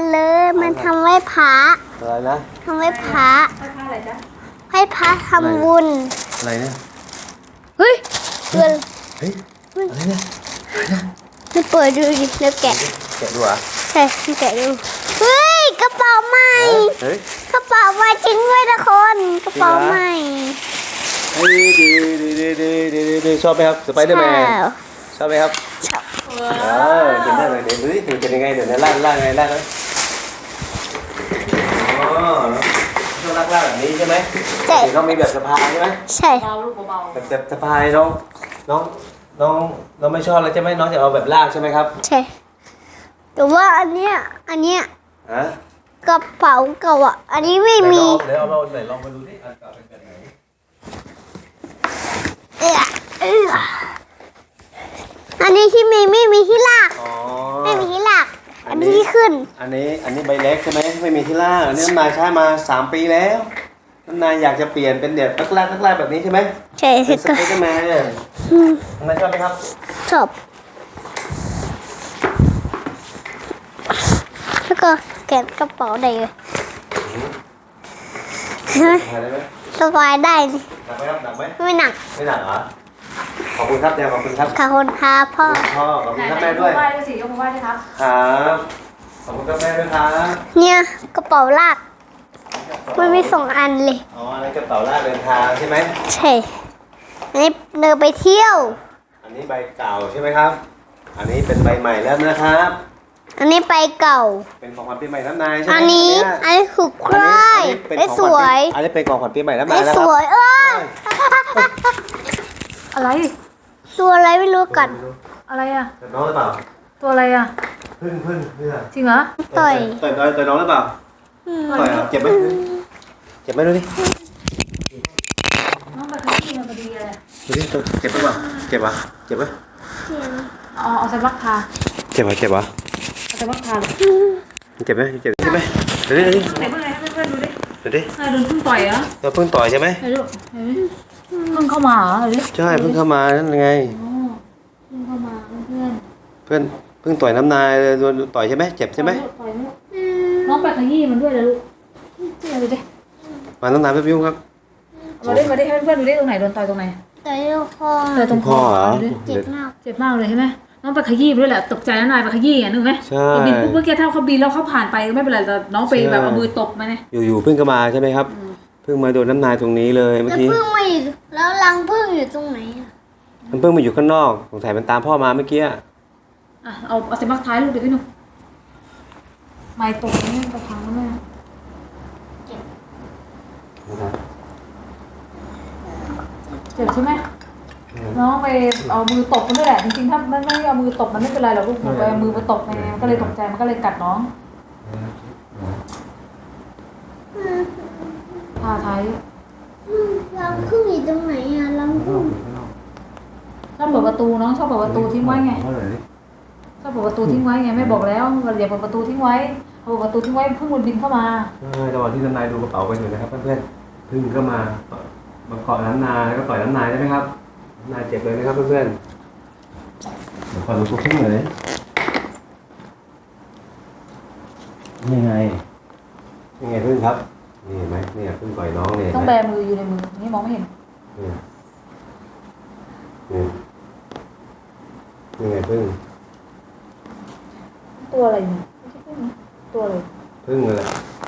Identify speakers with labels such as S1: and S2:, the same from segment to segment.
S1: เลยมันทำไหว้พระ
S2: อะไรนะ
S1: ทำไหว้พระ
S3: อะไรจ๊ะ
S1: ไหว้พระทำบุญ
S2: อะไรเนี่ย
S1: เฮ้ยเฮ้ย
S2: อะไรเนี่ย
S1: จะเปิดดูดิแล้วแกะ
S2: ดูอ่ะ
S1: ใช่แกะดูเฮ้ยกระเป๋าใหม่กระเป๋าใหม่จริงด้วยนะคนกระเป๋าใหม่
S2: ดีชอบไหมครับสไปเดอร์แมนชอบไหมครับ
S1: ชอบ
S2: เดี๋ยวได้เลยเดี๋ยวดูดิมันเป็นยังไงเดี๋ยวนะล่างไงล่างนะอ๋อชอบล่างแบบนี้ใช่ไหมใช่ต้องมีแบบสะพายใช่ไหม
S1: ใช่
S3: เบาลูกเบา
S2: แบบสะพายน้องไม่ชอบแล้วใช่ไหมน้องจะเอาแบบล่างใช่ไหมครับ
S1: ใช่แต่ว่าอันเนี้ยกระเป๋าเก่าอ่ะอันนี้ไม่มี
S2: เดี๋ยวเอามาไหนลองมาดูดิอันเก่าเป็นแบบไหน
S1: อันนี้ที่ไม่มีที่ลากไม่มีที่ลากอันนี้ที่ขึ้น
S2: อันนี้ใบเล็กใช่ไหมไม่มีที่ลากอันนี้น้ำนายใช้มา3 ปีแล้วน้ำนายอยากจะเปลี่ยนเป็นเด็ดลักแรกแบบนี้ใช่ไหม
S1: ใช่
S2: เป็นสไปเดอร์แมนน้ำนายชอบไหมครับ
S1: ชอบแล้วก็แกะกระเป๋าได้เลยสบายได้
S2: หนักไหมครับหนักไหม
S1: ไม่หนัก
S2: เหรอขอบคุณครับเดี๋ยวขอบคุณครับ
S1: ขอบคุณครับพ่อ
S2: ขอบคุณครับแม่ด้วย
S3: ไหว้ด้วยสิยกมือไหว้ด้วยครับ
S2: ครับขอบคุณครับแม่ด้วยครับ
S1: เนี่ยกระเป๋าลากมันมี2 อันเลย
S2: อ๋ออันนี้กระเป๋าลากเดินทางใช่ไหม
S1: ใช่อันนี้เดินไปเที่ยว
S2: อันนี้ใบเก่าใช่ไหมครับอันนี้เป็นใบใหม่แล้วนะครับ
S1: อันนี้ใบเก่า
S2: เป็นของขวัญปีใหม่น้ำนายใช่ไหม
S1: อันนี้คือใครได้สวย
S2: อันนี้เป็นของขวัญปีใหม่น้ำนายแล้ว
S1: สวย
S3: อะไร
S1: ตัวอะไรไม่รู้กัน
S3: อะไรอ่ะ
S2: น้องหรือเปล่า
S3: ตัวอะไรอ่ะ
S2: พึ่ง
S3: จริงเหรอ
S1: ต่อย
S2: น้องหรือเปล่าต่อยเจ็บไหมดูดิ
S3: น้องแบบนี้มันพอดีอะไร
S2: ดูดิเจ็บหรือเปล่าเจ็บปะ
S3: เอาใส่บักทา
S2: เจ็บปะ
S3: เอาใส่บักทาเลย
S2: เจ็บไหมใช่ไหมดูดิ
S3: ไหนเพื่อนดูดิ
S2: โดน
S3: พึ่งต่อยเหรอ
S2: เราเพิ่งต่อยใช่ไหม
S3: เพิ่งเข้ามาเหรอ
S2: ใช่เพิ่งเข้ามานั่นไง
S3: เพิ่งเข้ามาเ
S2: พื่อนเพิ่งต่อยน้ำนายโดนต่อยใช่ไหมเจ็บใช่ไหม
S3: น้องไปขยี้มันด้วยนะลูกดูดิ
S2: มาน้ำนายเพิ่มยุ่งครับ
S3: มาดิให้เพื่อนดูดิตรงไหนโดนต่อยตรงไหน
S1: ต่อย
S3: ตรงคอ
S2: เหรอ
S1: เจ็
S3: บมากเลยใช่ไหมน้องไปขยี้ด้วยแหละตกใจน้ำนายไปขยี้นึกไหม
S2: ใช่
S3: บินปุ๊บเมื่อกี้ถ้าเขาบินแล้วเขาผ่านไปไม่เป็นไรแต่น้องไปแบบเอามือตบมาเนี่ย
S2: อยู่เพิ่งเข้ามาใช่ไหมครับเพิ่งมาโดนน้ำนายตรงนี้เลยเมื่อกี้
S1: พึ่งมาอยู่แล้วรังพึ่งอยู่ตรงไหน
S2: มันเพิ่งมาอยู่ข้างนอกสงสัยมันตามพ่อมาเมื่อกี้
S3: เอาเสียบบักท้ายลูกเดี๋ยวพี่หนุ่มไม่ตกนี่ไปทางนั้นแม่เจ็บใช่ไหมน้องไปเอามือตบมันด้วยแหละจริงๆถ้าไม่เอามือตบมันไม่เป็นไรหรอกลูกมันไปเอามือมาตบไงมันก็เลยตกใจมันก็เลยกัดน้องผ่าท้าย
S1: รังพึ่งอยู่ตรงไหนรังพึ่ง
S3: ชอบเปิดประตูน้องชอบเปิดประตูทิ้งไว้ไงชอบเปิดประตูทิ้งไว้ไงไม่บอกแล้วอย่าเปิดประตูทิ้งไว้เปิดประตูทิ้งไว้พึ่งมันบินเข้ามา
S2: จังหวะที่น้ำนายดูกระเป๋ากันอยู่นะครับเพื่อนๆพึ่งก็มาเกาะน้ำนายแล้วก็ต่อยน้ำนายใช่ไหมครับน้ำนายเจ็บเลยนะครับเพื่อนๆเดี๋ยวขอดูตัวพึ่งเลยนี่ไงพึ่งครับนี่เห็นไหมนี่พึ่งต่อยน้องเนี่ย
S3: ต้องแบมืออยู่ในมือนี่มองไม่เห็น
S2: นี่ไงพึ่ง
S3: ตัวอะไรเนี่ยไม่ใช่พึ่งนะตัวอะไร
S2: พึ่งอะไร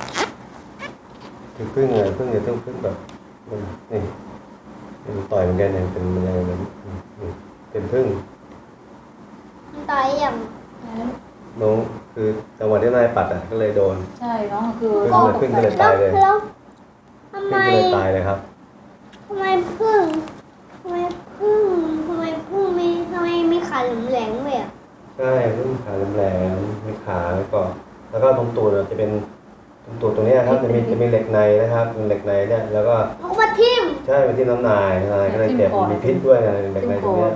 S2: คือพึ่งอะไรพึ่งเนี่ยต้องพึ่งแบบนี่ต่อยเหมือนกันเนี่ยเป็นอะไรเป็นพึ่ง
S1: ต่อยอย่าง
S2: น้องคือจังหวะที่นายปัดก็เลยโดน
S3: ใช่น้องคือ
S2: พึ่งก็เลยตายเลย
S1: ทำไม
S2: ตายเลยครับ
S1: ทำไมพึ่งมีขาแหลมเลยอ่ะ
S2: ใช่พึ่งขาแหลมมีขาแล้วก็ตรงตูดจะเป็นตรงตูดตรงนี้ครับจะมีเหล็กในนะครับเป็นเหล็กในเนี่ยแล้วก็
S1: เอามาทิ่ม
S2: ใช่เป็นที่น้ำนายก็เลยเจ็บมีพิษด้วยนะเหล็กในตรงนี้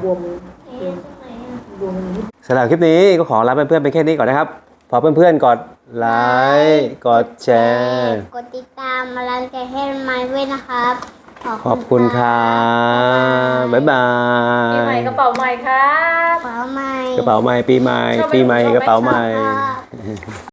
S2: สำหรับคลิปนี้ก็ขอลาเพื่อนๆไปแค่นี้ก่อนนะครับฝากเพื่อนๆกดไลค์กดแชร์
S1: กดติดตามมาลังใจให้ไม้ด้วยนะครับ
S2: ขอบคุณครับบ๊ายบาย
S3: ปีใหม่กระเป๋าใหม่ครับ
S1: กระเป๋าใหม่
S2: ปีใหม่กระเป๋าใหม่